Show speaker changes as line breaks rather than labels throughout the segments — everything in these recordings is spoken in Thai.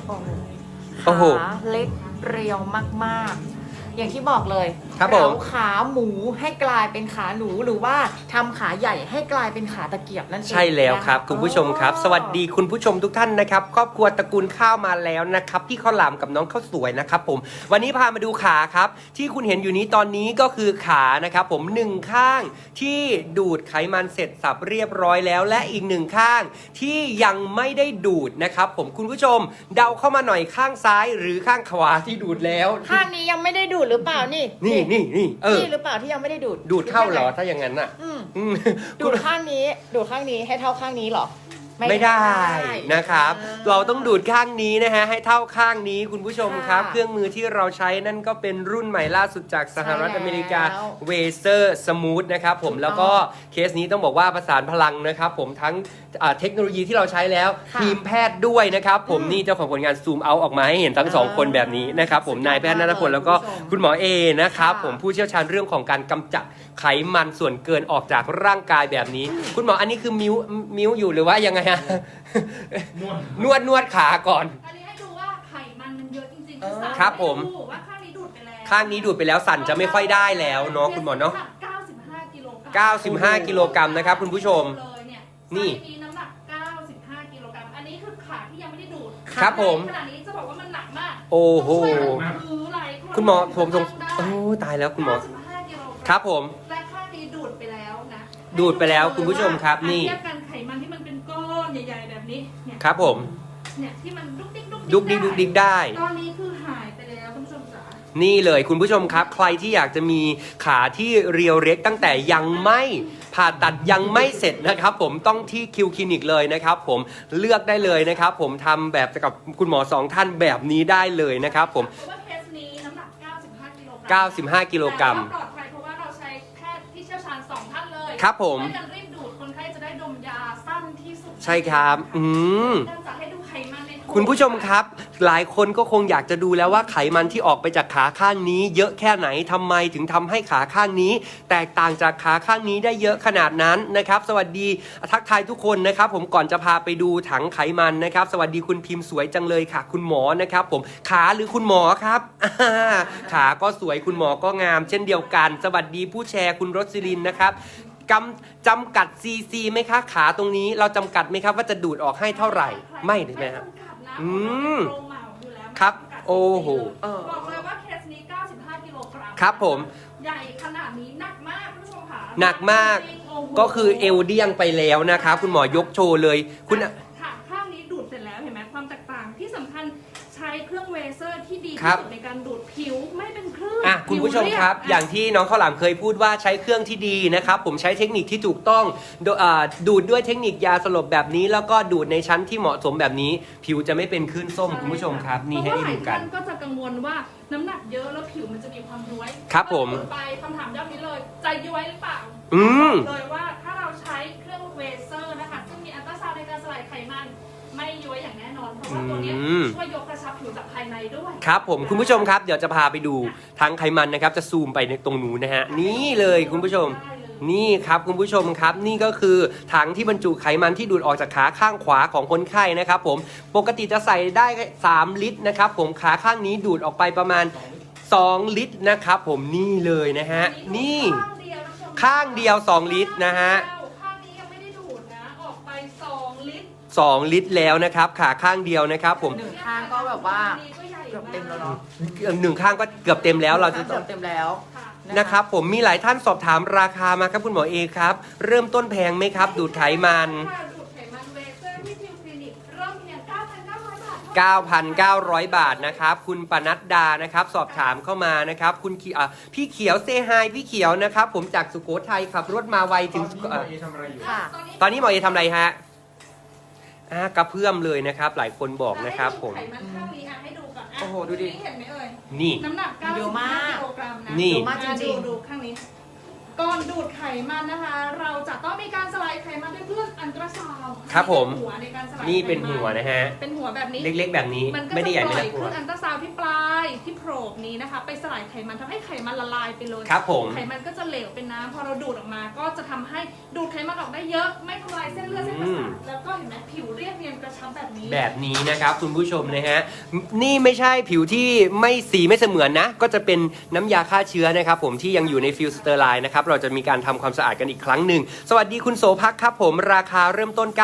โอ้โห
ขาเล็กเรียวมากๆ อย่างที่บอกเลย
ครับผม
เราขาหมูให้กลายเป็นขาหนูหรือว่าทำขาใหญ่ให้กลายเป็นขาตะเกียบนั่นเอง
ใช่แล้วครับ
นะะ
คุณผู้ชมครับ สวัสดีคุณผู้ชมทุกท่านนะครับครอบครัวตระกูลข้าวมาแล้วนะครับพี่ข้าวหลามกับน้องข้าวสวยนะครับผมวันนี้พามาดูขาครับที่คุณเห็นอยู่นี้ตอนนี้ก็คือขานะครับผมหนึ่งข้างที่ดูดไขมันเสร็จสับเรียบร้อยแล้ว และอีกหนึ่งข้างที่ยังไม่ได้ดูดนะครับผมคุณผู้ชมเดาเข้ามาหน่อยข้างซ้ายหรือข้างขวาที่ดูดแล้ว
ข้างนี้ยังไม่ได้ดูดหรือเปล่านี่
นี่
นี่หรือเปล่าที่ยังไม่ได้ดูด
ดูดเข้าเหรอถ้าอย่างนั้นอ่ะ
อืมดูดข้างนี้ให้เท่าข้างนี้เหรอ
ไม่ได้นะครับ เราต้องดูดข้างนี้นะฮะให้เท่าข้างนี้คุณผู้ชมครับ
ค่ะ
เครื่องมือที่เราใช้นั่นก็เป็นรุ่นใหม่ล่าสุดจากสหรัฐอเมริกา
แล้ว
เวเซอร์สมูทนะครับผม
ถูกต้อง
แล้วก็เคสนี้ต้องบอกว่าประสานพลังนะครับผมทั้งเทคโนโลยีที่เราใช้แล้ว
ค่ะ
ทีมแพทย์ด้วยนะครับผม
อืม
นี่เจ้าของผลงานซูมเอาออกมาให้เห็นทั้งสองคนแบบนี้นะครับผม
สุดยอด
นายแพทย์ณัฐพลแล้วก็
คุณผู้ชม
คุณหมอเอนะครับ
ค่ะ
ผมผู้เชี่ยวชาญเรื่องของการกำจัดไขมันส่วนเกินออกจากร่างกายแบบนี้ คุณหมออันนี้คือมิ้วอยู่หรือว่ายังไงฮะ นวดขาก่อน
อันนี้ให้ดูว่าไขมันมันเยอะจริงๆ
เออ
ครับผม
ให้ดูว่าข้างนี้ดูดไปแล้ว
ข้างนี้ดูดไปแล้วสั่นจะไม่ค่อยได้แล้วเนาะคุณหมอเนาะ
95 กิโลกรัม
95 กิโลกรัมนะครับคุณผู้ชม
เลยเนี่ย
นี่
ไซส์นี้น้ำหนัก 95 กิโลกรัม อันนี้คือขาที่ยังไม่ได้ดูด
ครับผม
ขนาดนี้จะบอกว่ามันหนักมาก
โอ้โห
ต้องช่วยกันถือหลายน
คุณหมอผมสง
ได้
โอ้ตายแล้วคุณหมอ
95 กิโลกรัม
ครับผม
และข้างนี้ดูดไปแล้วนะ
ดูดไปแล้วคุณผู้ชมครับนี่
เทียบกันไขมันที่มันเป็นก้อนใหญ่ๆแบบนี้เนี่ย
ครับผม
เนี่ยที่มันดุกดิก
ดุกดิกได้
ตอนนี้คือหายไปแล้วคุณผู้ชมจ๋า
นี่เลยคุณผู้ชมครับ ใครที่อยากจะมีขาที่เรียวเล็กตั้งแต่ยังไม่ผ่าตัดยังไม่เสร็จนะครับผมต้องที่คิวคลินิกเลยนะครับผมเลือกได้เลยนะครับผมทำแบบกับคุณหมอสองท่านแบบนี้ได้เลยนะครับผม
เพราะว่าเคสนี้น้ำหนัก 95 กิโลกรัม
95 กิโลกรัม
แต่ว่าปลอดภัยเพราะว่าเราใช้แพทย์ที่เชี่ยวชาญ2ท่านเลย
ครับผม
ช่วยกันรีบดูดคนไข้จะได้ดมยาสั้นที่สุด
ใช่ครับ
การจะให้ดูไขมันในถุง
คุณผู้ชมครับ หลายคนก็คงอยากจะดูแล้วว่าไขมันที่ออกไปจากขาข้างนี้ เยอะแค่ไหนทำไมถึงทำให้ขาข้างนี้ แตกต่างจากขาข้างนี้ได้เยอะขนาดนั้นนะครับ สวัสดีทักทายทุกคนนะครับ ผมก่อนจะพาไปดูถังไขมันนะครับ สวัสดีคุณพิมพ์สวยจังเลยค่ะ คุณหมอนะครับ ผมขาหรือคุณหมอครับ ขาก็สวยคุณหมอก็งาม เช่นเดียวกัน สวัสดีผู้แชร์คุณรสลินนะครับจำกัดซีซีไหมคะขาตรงนี้เราจำกัดไหมครับว่าจะดูดออกให้เท่าไหร่ไม่ใช่ไหมครับ
จำกัดนะ
อืม
เพาะว่าเป็นโรงเหมาอยู่แล้ว
ครับ
ไม่จำกัด
โอ้โห
บอกเลยว่าเคสนี้ 95 กิโลกรัม
ครับผม
ใหญ่ขนาดนี้หนักมากคุณผู้ชมค่ะ
หนักมาก
จริงๆโอ้โห
ก็คือเอวเดียงไปแล้วนะครับคุณหมอยกโชว์เลยคุณ
ค่ะข้างนี้ดูดเสร็จแล้วเห็นไหมความแตกต่างที่สำคัญใช้เครื่องเวเซอร์ที่ดี
ครั
ที่
บ
สุดในการดูดผิวไม่เป็นคลื่น
คุณผู้ชมครับ
ผิวเ
อย่างที่น้องข้าวหลามเคยพูดว่าใช้เครื่องที่ดีนะครับผมใช้เทคนิคที่ถูกต้องดูดด้วยเทคนิคยาสลบแบบนี้ แล้วก็ดูดในชั้นที่เหมาะสมแบบนี้ ผิวจะไม่เป็นคลื่นส้มคุณผู้ชมครับนี่ให้ได้ดูกัน
เพราะว่าหลายท่านก็จะกังวลว่าน้ำหนักเยอะแล้วผิวมันจะมีความย้วย
ครับผม
ก็ดูดไปคำถามยอดนี้เลยใจย้วยหรือเปล่า
อืม
เลยว่าถ้าเราใช้เครื่องเวเซอร์นะคะซึ่งมีอัลตราซาวด์ในการสลายไขมันไม่ย้วยอย่างแน่นอนเพราะว่าตัวเนี้ย
อืม
ช่วยยกกระชับผิวจากภายในด้วย
ครับผมคุณผู้ชมครับเดี๋ยวจะพาไปดูทั้งไขมันนะครับจะซูมไปในตรงนู้นนะฮะนี่เลยคุณผู้ชม นี่ครับคุณผู้ชมครับนี่ก็คือถังที่บรรจุไขมันที่ดูดออกจากขาข้างขวาของคนไข้นะครับผมปกติจะใส่ได้3 ลิตรนะครับผมขาข้างนี้ดูดออกไปประมาณ2 ลิตรนะครับผมนี่เลยนะฮะนี่ข้างเดียว2 ลิตรนะฮะ
ข้างนี้ยังไม่ได้ดูดนะออกไป2 ลิตร
2 ลิตรแล้วนะครับขาข้างเดียวนะครับผม
หนึ่งข้างก็แบบว่าเกือบเต็มแล้วเนาะ
หนึ่งข้างก็เกือบเต็มแล้วเราจะ
เกือบเต็มแล้ว
นะครับผมมีหลายท่านสอบถามราคามาครับคุณหมอเอครับเริ่มต้นแพงไหมครับ ดูดไขมัน
ดูดไขมันเวเซอร์ที่ทิวคลินิกเริ่มเพียง 9,900 บาท
9,900 นะครับคุณปนัดดานะครับสอบถามเข้ามานะครับคุณพี่เขียวเซฮายพี่เขียวนะครับผมจากสุโขทัยขับรถมาไวถึง
ค่ะ
ตอนนี้หมอเอทำอะไรฮะกระเพื่อมเลยนะครับหลายคนบอกนะครับผม
ไขมันข้างนี้ให้ดูก่อน
โอ้โหดูดิ
เห็นไหมเอ่ย
นี่
น้ำหนัก
เยอะมาก
95 กิโลกรัมนะ
นี่
เยอะมากจริงๆ
ดูข้างนี้ ก่อนดูดไขมันนะคะ เราจะต้องมีการสลายไขมันด้วยเครื่องอัลตราซาวด์
ครับผม
หัวในการสลาย
นี่เป็นหัวนะฮะ
เป็นหัวแบบนี้
เล็กๆแบบนี้
มันก็
ไม่
จะ
ได้ใหญ่
ป
ไม่
ล่อ
ได้
ยเค
หัว
รื่องอัลตราซาวด์ที่ปลายที่โพรงนี้นะคะ ไปสลายไขมันทำให้ไขมันละลายไปเลย
ครับผม
ไขมันก็จะเหลวเป็นน้ำพอเราดูดออกมา ก็จะทำให้ดูดไขมันออกได้เยอะ ไม่ทำลายเส้นเลือดเส้นประสาทแล้วก็เห็นไหมผิวเรียบเนียนกระชับำแบบนี้
แบบนี้นะครับคุณผู้ชมนะฮะนี่ไม่ใช่ผิวที่ไม่สีไม่เสมือนนะก็จะเป็นน้ำยาฆ่าเชื้อนะครับผมที่ยังอยู่ในฟิลสเตอร์ไลน์นะครับเราจะมีการทำความสะอาดกันอีกครั้งหนึ่งสวัสดีคุณโสภักครับผมราคาเริ่มต้น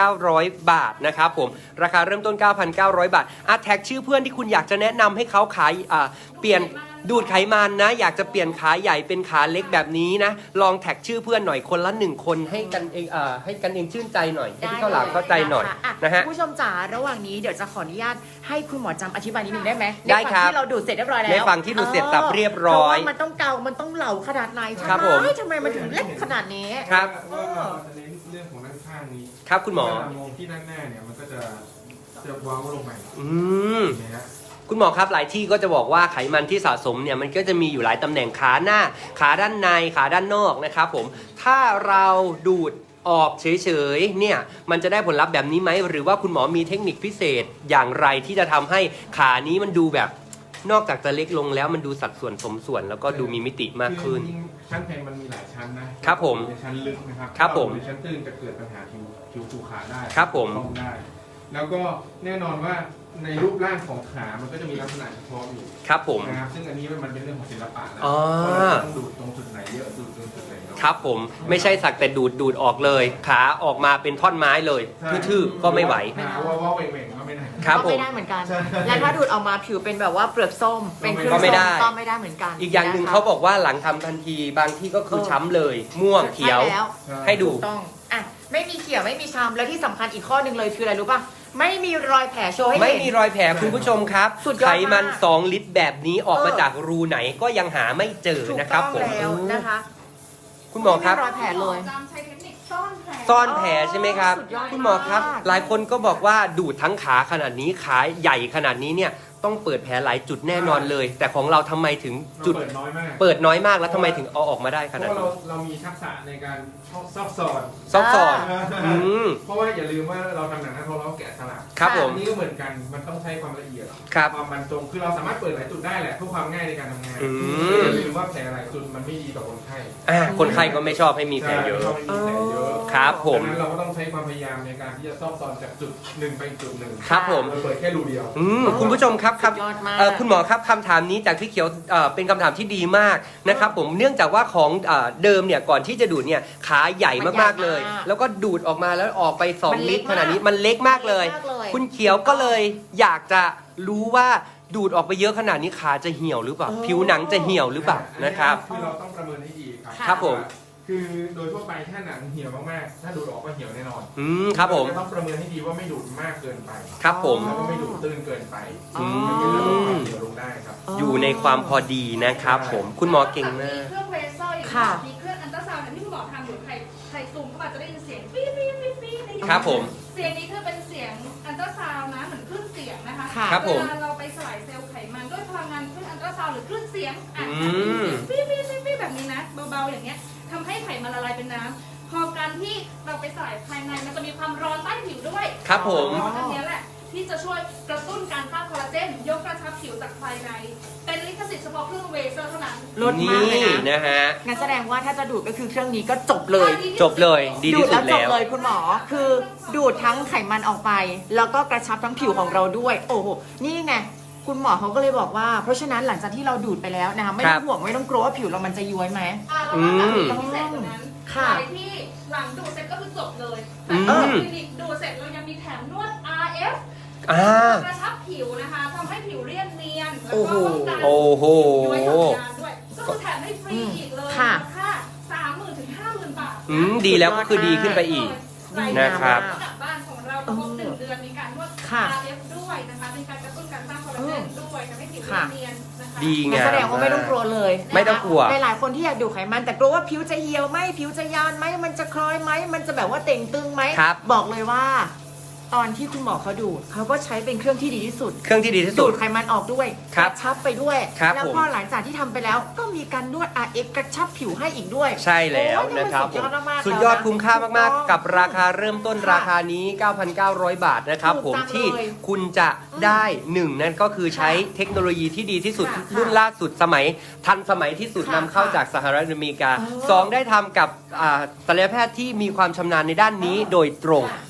9,900 บาทนะครับผมราคาเริ่มต้น 9,900 บาทแท็กชื่อเพื่อนที่คุณอยากจะแนะนำให้เขาขายเปลี่ยนดูดไขมันนะอยากจะเปลี่ยนขาใหญ่เป็นขาเล็กแบบนี้นะลองแท็กชื่อเพื่อนหน่อยคนละ1คนให้กันเองให้กันเองชื่นใจหน่อยให้พี่ข้าวหลามเข้าใจหน่อยนะฮะ
คุณผู้ชมจ๋าระหว่างนี้เดี๋ยวจะขออนุญาตให้คุณหมอจำอธิบายนิดนึงได้ไหม
ได้ครับ
ในฝั่งที่เราดูดเสร็จเรียบร้อยแล้ว
ในฝั่งที่ดูดเสร็จสับเรียบร้อย
เพาะว่ามันต้องเกามันต้องเหลาขนาดไหน
ครับผม
ทำไมมันถึงเล็กขนาดนี้
ครับ
ว่าเราจะเน้นเรื่องของด้านข้างนี้
ครับคุณหมอ
เวลามองที่ด้านหน้าเนี่ยมันก็จะเว้าลงไป
อืม
เห็นไหมฮะ
คุณหมอครับหลายที่ก็จะบอกว่าไขมันที่สะสมเนี่ยมันก็จะมีอยู่หลายตำแหน่งขาหน้าขาด้านในขาด้านนอกนะครับผมถ้าเราดูดออกเฉยๆเนี่ยมันจะได้ผลลัพธ์แบบนี้ไหมหรือว่าคุณหมอมีเทคนิคพิเศษอย่างไรที่จะทำให้ขานี้มันดูแบบนอกจากจะเล็กลงแล้วมันดูสัดส่วนสมส่วน แล้วก็ดูมีมิติมากขึ้น
คือจริงๆชั้นแพงมันมีหลายชั้นนะครับ
ผม
ในชั้นลึกนะครับ
ครับผม
ในชั้นตื้นจะเกิดปัญหาผิวผูกขาได้
ครับผม
ต้องได้ แล้วก็แน่นอนว่าในรูปร่างของขา มันก็จะมีลักษณะเฉพาะอยู่
ครับผม
นะครับซึ่งอันนี้มันเป็นเรื่องของศิลปะแล้ว
อ๋อ
ว่าเราต้องดูดตรงจุดไหนเยอะดูดตรงจุดไหนน้อย
ครับผมไม่ใช่สักแต่ดูดออกเลยขาออกมาเป็นท่อนไม้เลย
ใช่
ทื่อๆก็ไม่ไหว
หาว่าเหว่งๆก็ไม่ได้
ครับ
ก็
ผ
ไม่
ม
ได้เหมือนกัน
ใช่
และถ้าดูดออกมาผิวเป็นแบบว่าเปลือกส้มเป็นเครื่อง
ก็ไม่ได้
ส้ก็ไม่ได้เหมือนกัน
อีกอย่างหนึ่ง
ะคะ
เขาบอกว่าหลังทำทันทีบางที่ก็คือช้ำเลย ม่วงเขียว
ใช่แล้ว
ให้ดู
ถูกต้องอ่ะไม่มีเขียวไม่มีช้ำแล้วที่สำคัญอีกข้อหนึ่งเลยคืออะไรรู้ป่ะไม่มีรอยแผลโชว์ให้
ไม่
เห็น
มีรอยแผลคุณผู้ชมครับ
สุดยอด
ไข
มาก
มัน 2 ลิตรแบบนี้ออกมาจากรูไหนก็ยังหาไม่เจอ
ถูก
นะครับ
ต้อง
ผม
แล้วนะคะ
คุณหมอครับ
ไม่มีรอยแผลเลย
จำใช้เทคนิคซ่อนแผล
ซ่อนแผลใช่ไหมครับ
สุดยอด
คุณหมอครับ
มาก
หลายคนก็บอกว่าดูดทั้งขาขนาดนี้ขาใหญ่ขนาดนี้เนี่ยต้องเปิดแผลหลายจุดแน่นอนเลย แต่ของเราทำไมถึงจุด
เปิดน้อยมาก
เปิดน้อยมากแล้วทำไมถึงเอาออกมาได้
เพ
ข
ราะ
นาด
ว่า
นี้
เรามีทักษะในการซอกซอน
ซอกซอน อืม
เพราะว่าอย่าลืมว่าเราทำหนังหน้าท้องเราแกะสลัก
ครับผม
อันนี้ก็เหมือนกันมันต้องใช้ความละเอียด
ครับ
ความบรรจงคือเราสามารถเปิดหลายจุดได้แหละเพื่อความง่ายในการทำงาน
อืม
อย่าลืมว่าแผลหลายจุดมันไม่ดีต่อคนไข้
คนไข้ก็ไม่ชอบให้มีแผลเยอะ
ใช่ไม่ชอบให้มีแผลเยอะ
ครับผม
ดังนั้นเราก็ต้องใช้ความพยายามในการที่จะซอกซอนจากจุดหนึ่งไปอีกจุดหนึ่ง
ครับผม
เราเปิดแค่รูเดียว
คุณผู้ชมครับ
สุดยอดมาก
คุณหมอครับคำถามนี้จากพี่เขียวเป็นคำถามที่ดีมากนะครับผมเนื่องจากว่าของเดิมเนี่ยก่อนที่จะดูดเนี่ยขาใหญ่มากๆเลย แล้วก็ดูดออกมาแล้วออกไป
มัน
2
เล็
ลิ
ก
ตรขนาดนี้มันเล็กมากเลย
เล็กมากเลย
คุณเขียวก็เลยอยากจะรู้ว่าดูดออกไปเยอะขนาดนี้ขาจะเหี่ยวหรือเปล่า ผิวหนังจะเหี่ยวหรือเปล่านะครับ
คือเราต้องประเมินให้ดีครับ
ครับผม
คือโดยทั่วไปถ้าหนังเหี่ยวมากๆ ถ้าดูดออกก็เหี่ยวแน่นอน
ครับผม
เราจะต้องประเมินให้ดีว่าไม่ดูดมากเกินไป
ครับผม
แล้วก็ไม่ดูดตื้นเกินไป
อืม
มันจะลดความเหี่ยวลงได้ครับ
อยู่ในความพอดีนะครับผมคุณหมอเก่งมาก
เครื่องเวเซอร์อย่าง
ค่ะ
มีเครื่องอันตราซาวด์เนี่ยที่คุณหมอทำอยู่ใครซูมเข้ามาจะได้ยินเสียงปี๊ดปี๊ดปี๊ดปี๊ดได้ยิน
ครับผม
เสียงนี้คือเป็นเสียงอันตราซาวด์นะเหมือนคลื่นเสียงนะคะ
ค่ะ
ครับผม
เวลาเราไปสลายเซลล์ไขมันด้วยพลังงานคลื่นอันตราซาวด์หรือคลื่นเสียงอ่ะ
อืม
ปี๊ดปี๊ดปี๊ดปี๊ดแบบนี้นะเบาๆอย่างเงี้ยทำให้ไขมันละลายเป็นน้ำพอการที่เราไปสลายภายในมันจะมีความร้อนใต้ผิวด้วย
ครับผม
อันเนี้ยแหละที่จะช่วยกระตุ้นการสร้างคอลลาเจนยกกระชับผิวจากภายใน เป็นลิขสิทธิ์เฉพาะเครื่องเวเซอร์เท่านั้น
ลดมากเลย
นี่
นะ
นะฮะ
งั้นแสดงว่าถ้าจะดูดก็คือเครื่องนี้ก็จบเลย
จบเลยดี
ดู
ที่
ด
สุ
แล้ว
ด
จบ
แล้ว
เลยคุณหมอคือดูดทั้งไขมันออกไป แล้วก็กระชับทั้งผิวของเราด้วย โอ้โหนี่ไงคุณหมอเขาก็เลยบอกว่า เพราะฉะนั้นหลังจากที่เราดูดไปแล้วนะคะไม่ต้องห่วงไม่ต้องกลัวว่าผิวเรามันจะย้วยไหม
แล้วก็แบบพิเศษกว่านั้น
ค่ะ
หลายที่หลังดูดเสร็จก็คือจบเลย
อื
แต่
ม
คลินิกดูดเสร็จเรายังมีแถมนวด RF กระชับผิวนะคะทำให้ผิวเรียบเนียนแล้วก็ป้องกัน
โอ้โห
ย้วยหย่อนยานด้วยก็คือแถมให้ฟรีอีกเลย
ค่ะ
ค่า30,000 ถึง 50,000 บาท
ดีแล้วก็คือดีขึ้นไปอีก นะครับ
กลับบ้านของเราครบ1 เดือนมีการนวด
ค่ะ
RF ด้วยนะคะเป็นการกระตุ้นการสร้างคอลลาเจนด้วยทำให้ผิวเนียนนะคะ
ดี
งั้น
งาม
แสดงว่าไม่ต้องกลัวเลยนะคะ
ไม่ต้องกลัว
หลายๆคนที่อยากดูดไขมันแต่กลัวว่าผิวจะเหี่ยวไหมผิวจะยานไหมมันจะคล้อยไหมมันจะแบบว่าเต่งตึงไหม
ครับ
บอกเลยว่า ตอนที่คุณหมอเขาดูดเขาก็ใช้เป็นเครื่องที่ดีที่สุด
เครื่องที่ดีที่สุ
ดู
ด
ดไขมันออกด้วย
ครั
ก
บ
ระชับไปด้วย
ครับ
แล้ว
ผม
พอหลังจากที่ทำไปแล้ว ก็มีการนวด RX กระชับผิวให้อีกด้วย
ใช่แล้ว
โอ้ย
นะครับ
สุดยอดมากๆ
สุดยอด
แล้วนะ
คุ้มค่ามาก
ถูกต้อง
ๆ กับราคาเริ่มต้น
ค่ะ
ราคานี้ 9,900 บาทนะครับ
ถูก
ผม
จัง
ที่
เลย
คุณจะได้หนึ่งนั่นก็คือใช้เทคโนโลยีที่ดีที่สุด
ค่ะ
รุ่นล่าสุดสมัยทันสมัยที่สุด
ค่ะ
นำเข้าจากสหรัฐอเมริกา
อ๋อ
สองได้ทำกับศัลยแพทย์ที่มีความชำนาญในด้านนี้โดยตรง
ค่ะ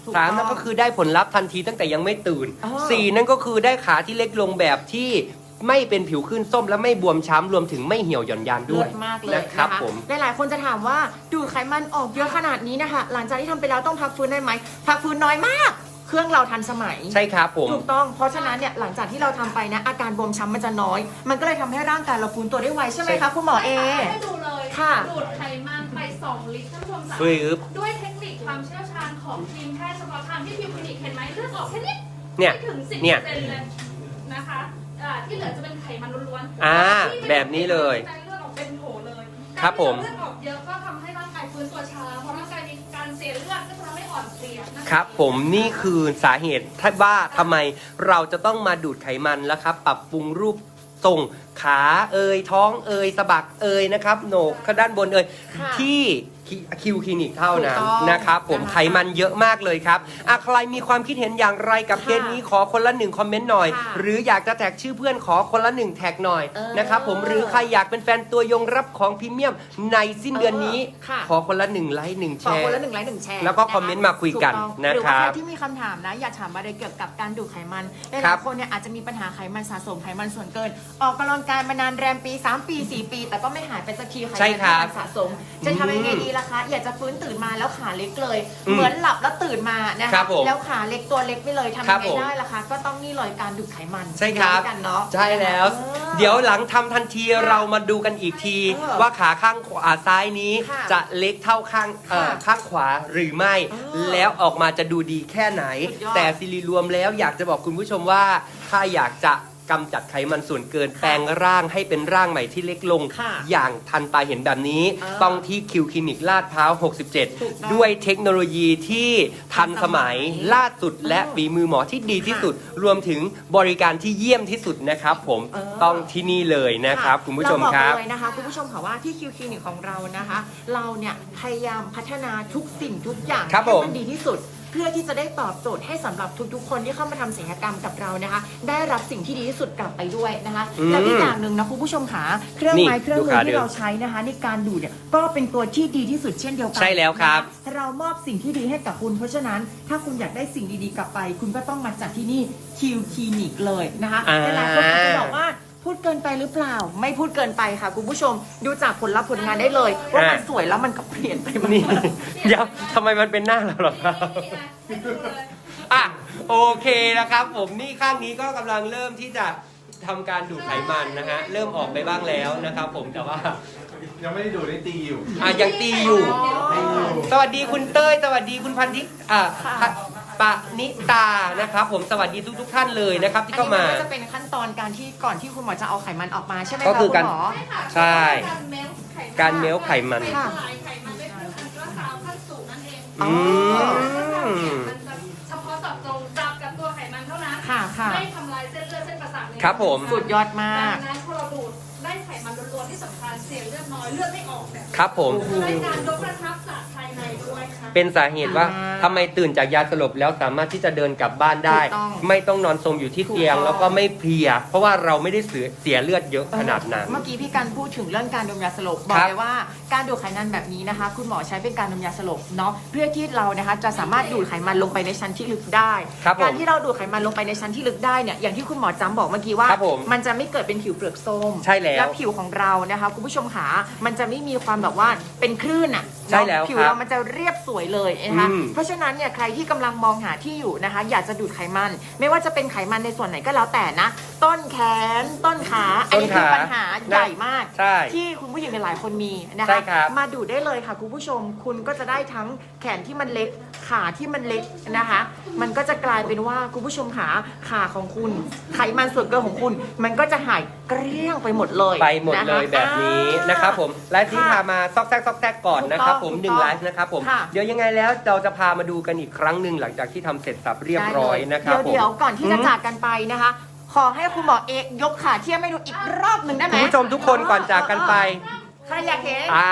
ถูก
3
ต้อง
นั่นก็คือได้ผลลัพธ์ทันทีตั้งแต่ยังไม่ตื่น
อ๋อ
4 นั่นก็คือได้ขาที่เล็กลงแบบที่ไม่เป็นผิวขึ้นส้มและไม่บวมช้ำรวมถึงไม่เหี่ยวหย่อนยานด้
เลิ
วย
ศมากเลย
นะครับ
นะคะ
ผม
หลายๆคนจะถามว่าดูดไขมันออกเยอะขนาดนี้นะคะหลังจากที่ทำไปแล้วต้องพักฟื้นได้ไหมพักฟื้นน้อยมาก เครื่องเราทันสมัย
ใช่ครับผม
ถูกต้อง เพราะฉะนั้นเนี่ยหลังจากที่เราทำไปนะอาการบวมช้ำมันจะน้อย มันก็เลยทำให้ร่างกายเราฟื้นตัวได้ไวใช่ไหม
ใช่
คะคุณหมอเอ
ให้ดูเลย
ค่ะ
ดูดไขมันไป 2 ลิตรท่านผู้ชมสา
ฟึบ
ด้วยเทคนิคความเชี่ยวชาญของทีมแพทย์เฉพาะทางที่พิวคลินิกเห็นไหมเลือดออกแค่นี้
เนี่ย
ไม่ถึง 10%
เนี่ย
เลยนะคะที่เหลือจะเป็นไขมันล้วนๆ
อ่า
ที่ไม่
แบบนี้เลย
ใจเลือดออกเป็นโถเลย
ครับผม
การที่เลือดออกเยอะก็ทำให้ร่างกายฟื้นตัวช้าเพราะร่างกายมีการเสียเลือดก็จะทำให้อ่อนเพลียนะคะ
ครับผมนี่คือสาเหตุที่ว่าทำไมเราจะต้องมาดูดไขมันแล้วครับ ปรับปรุงรูปทรงขาท้องสะบักนะครับโหนกด้านบน
ค่ะ
ที่คิวคลินิกเท่านั้น
ถูกต้อง
นะครับผม
นะคะ
ไขมันเยอะมากเลยครับใครมีความคิดเห็นอย่างไรกับ
ค่ะ
เคสนี้ขอคนละ1คอมเมนต์หน่อย
ค่ะ
หรืออยากจะแท็กชื่อเพื่อนขอคนละ1แท็กหน่อย นะครับผมหรือใครอยากเป็นแฟนตัวยงรับของพรีเมียมในสิ้นเดือนนี้
ค่ะ
ขอคนละ1ไลค์1แช
ขอ
ร์
คนละ1 ไลค์ 1 แชร์
แล้วก็คอมเมนต์มาคุยกัน
ถูต้อง
นะ
หรือ
ครั
ว่า
บ
ใครที่มีคำถามนะ อยากถามอะไรเกี่ยวกับการดูดไขมันห
ครั
ลาย
บ
ๆคนเนี่ยอาจจะมีปัญหาไขมันสะสมไขมันส่วนเกิน ออกกำลังกายมานานแรมปี 3 ปี 4 ปี แต่ก็ไม่หายไปสักทีไข
ใช่
มัน
ครับ
ที่มันสะสม จะทำยังไงดีล่ะคะ อยากจะฟื้นตื่นมาแล้วขาเล็กเลย
อืม
เหมือนหลับแล้วตื่นมานะ
ครั
คะ
บผม
แล้วขาเล็กตัวเล็กไปเลยทำ
ครั
ยั
บ
งไง
ผม
ได้ล่ะคะ ก็ต้องนี่เลยการดูดไขมัน
ใช่ครับ
ย้ำกันเนาะ
ใช่แล้ว เดี๋ยวหลังทำทันทีเรามาดูกันอีกที ว่าขาข้างขวาซ้ายนี้
ค่ะ
จะเล็กเท่าข้าง
ค่ะ
ข้างขวาหรือไม่ แล้วออกมาจะดูดีแค่ไหน
สุดยอด
แต่สิริรวมแล้วอยากจะบอกคุณผู้ชมว่า ถ้าอยากจะกำจัดไขมันส่วนเกิน แปลงร่างให้เป็นร่างใหม่ที่เล็กลง
ค่ะ
อย่างทันตาเห็นแบบนี้ ต้องที่คิวคลินิกลาดพร้าว
ถูกต้อง
67 ด้วยเทคโนโลยีที่ทันสมัยล่าสุดและฝีมือหมอที่ดีที่สุด รวมถึงบริการที่เยี่ยมที่สุดนะครับผมต้องที่นี่เลยนะครับ คุณผู้ชมครับ
เาอกเลยนะคะคุณผู้ชมค่ะว่าที่คิวคลินิกของเรานะคะ เราเนี่ยพยายามพัฒนาทุกสิ่งทุกอย่าง
ครับ
ให้
ผม
มันดีที่สุด เพื่อที่จะได้ตอบโจทย์ให้สำหรับทุกๆ คนที่เข้ามาทำศัลยกรรมกับเรานะคะ ได้รับสิ่งที่ดีที่สุดกลับไปด้วยนะคะ แล้วอีกอย่างหนึ่งนะคุณผู้ชมค่ะเครื่องไม้
นี่
เครื่องมื
ดู
อ
ขา
ที่
เดิม
เราใช้นะคะในการดูดเนี่ยก็เป็นตัวที่ดีที่สุดเช่นเดียวกั
ใช่แล้วครับ
นะคะเรามอบสิ่งที่ดีให้กับคุณ เพราะฉะนั้นถ้าคุณอยากได้สิ่งดีๆกลับไป คุณก็ต้องมาจัดที่นี่คิวคลินิกเลยนะคะหลายๆคนอาจจะบอกว่า พูดเกินไปหรือเปล่า ไม่พูดเกินไปค่ะคุณผู้ชมดูจากผลลัพธ์ผลงานได้เลย ว่ามันสวยแล้วมันก็เปลี่ยนไปมาก
นี่ เดี๋ยวทำไมมันเป็นหน้าเราหรอครับ
นี่นะให้ดูเลย
อ่ะโอเคนะครับ ผมนี่ข้างนี้ก็กำลังเริ่มที่จะทำการดูดไขมันนะฮะเริ่มออกไปบ้างแล้วนะครับผมแต่ว่า
ยังไม่ได้ดูได้ตีอยู่
ยังตีอยู่
ตีอยู่
สวัสดีคุณเต้ยสวัสดีคุณพันธิปะนิตานะครับ ผมสวัสดีทุกท่านเลยนะครับ ที่
อัน
เข้า
นี้
มา
มันก็จะเป็นขั้นตอนการที่ก่อนที่คุณหมอจะเอาไขมันออกมาใช่ไหม
ก็
คะ
คื
คุ
อ
ณ
การ
หมอ
ใช่ค่ะ
ใช่
การเมลไขมัน
การเมลไขมัน
เป็นสลายไขมันด้วยเครื่องอัลตราซาวด์ขั้นสูงนั่นเอง
อืม
มันจะเฉพาะเจาะจงจับกับตัวไขมันเท่านั้น
ค่ะค่ะ
ไม่ทำลายเส้นเลือดเส้นประสาทใน
ครับผม
สุดยอดมาก
ดังนั้นพอเราดูดได้ไขมันล้วนๆที่สำคัญเสียเลือดน้อยเลือดไม่ออกเนี่ย
ครับผม
ได้การยกระชับจากภายในด้วยค่ะ
เป็นสาเหตุว่าทำไมตื่นจากยาสลบแล้วสามารถที่จะเดินกลับบ้านได้
ถูกต้อง
ไม่ต้องนอนสมอยู่ที่เตียง
ถูกต้อง
แล้วก็ไม่เพลีย เพราะว่าเราไม่ได้เสียเลือดเยอะขนาดนั้น
เมื่อกี้พี่การพูดถึงเรื่องการดมยาสลบ บอ
ค
ก
รับ
เลยว่าการดูดไขมันแบบนี้นะคะ คุณหมอใช้เป็นการดมยาสลบเนาะเพื่อที่เรานะคะจะสามารถดูดไขมันลงไปในชั้นที่ลึกได้
ครับผม
การที่เราดูดไขมันลงไปในชั้นที่ลึกได้เนี่ยอย่างที่คุณหมอจำบอกเมื่อกี้ว่า
ครับผม
มันจะไม่เกิดเป็นผิวเปลือกส้ม
ใช่แล้ว
ผิวของเรานะคะคุณผู้ชมขามันจะไม่มีความแบบว่าเป็นคลื่นอ่ะ
ใช่แล้ว
ผิว
ครับ
เรามันจะเรียบสวยเลยนะคะ
อืม
เพราะฉะนั้นเนี่ยใครที่กำลังมองหาที่อยู่นะคะ อยากจะดูดไขมัน ไม่ว่าจะเป็นไขมันในส่วนไหนก็แล้วแต่นะ ต้นแขนต้นขาอันนี้คือปัญหาใหญ่มาก
ใช่
ที่คุณผู้หญิงหลายๆคนมีนะ
ใช่
คะ
ครับ
มาดูดได้เลยค่ะคุณผู้ชม คุณก็จะได้ทั้งแขนที่มันเล็กขาที่มันเล็กนะคะ มันก็จะกลายเป็นว่าคุณผู้ชมขาของคุณไขมันส่วนเกินของคุณ มันก็จะหายเกลี้ยงไปหมดเลย
ไปหมดเลย
นะคะ
แบบนี้นะครับผมและที่พามาซอกแซกก่อนนะครับผม
ถูก
ห
ต้
นึ่
อง
งไลฟ์นะครับผม
ค่ะ
เดี๋ยวยังไงแล้วเราจะพามาดูกันอีกครั้งหนึ่งหลังจากที่ทำเสร็จสับเรียบร้อยนะครับผม
เดี๋ยวก่อนที่จะจากกันไปนะคะ ขอให้คุณหมอเอกยกขาเทียมให้ดูอีกรอบหนึ่งได้ไหม
คุณผู้ชมทุกคนก่อนจากกันไป
ใครอยากเห็น
อ่า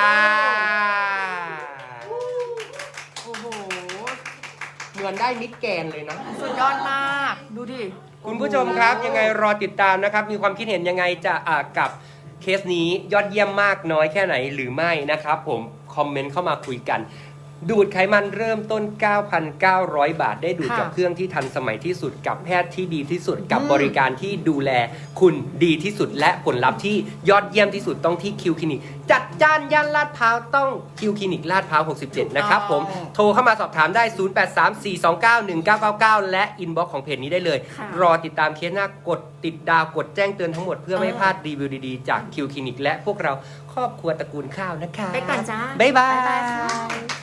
โอ้โห
เหมือนได้มิดแกนเลยนะ
สุดยอดมาก ดูดิ
คุณผู้ชมครับยังไงรอติดตามนะครับ มีความคิดเห็นยังไงจะกับเคสนี้ยอดเยี่ยมมากน้อยแค่ไหนหรือไม่นะครับผมคอมเมนต์เข้ามาคุยกันดูดไขมันเริ่มต้น 9,900 บาท ได้ดูด
ค่ะ
กับเครื่องที่ทันสมัยที่สุดกับแพทย์ที่ดีที่สุดกับบริการที่ดูแลคุณดีที่สุด และผลลัพธ์ที่ยอดเยี่ยมที่สุดต้องที่คิวคลินิกจัดจ้านย่านลาดพร้าวต้องคิวคลินิกลาดพร้าว 67 นะครับผมโทรเข้ามาสอบถามได้ 0834291999 และอินบ็อกซ์ของเพจนี้ได้เลย
ค่ะ
รอติดตามเคสหน้ากดติดดาวกดแจ้งเตือนทั้งหมดเพื่อไม่พลาดรีวิวดีๆจากคิวคลินิกและพวกเราครอบครัวตระกูลข้าวนะคะ
ไปก่อนจ้า
บ๊ายบา
บ๊ายบาย
ย
ค่ะ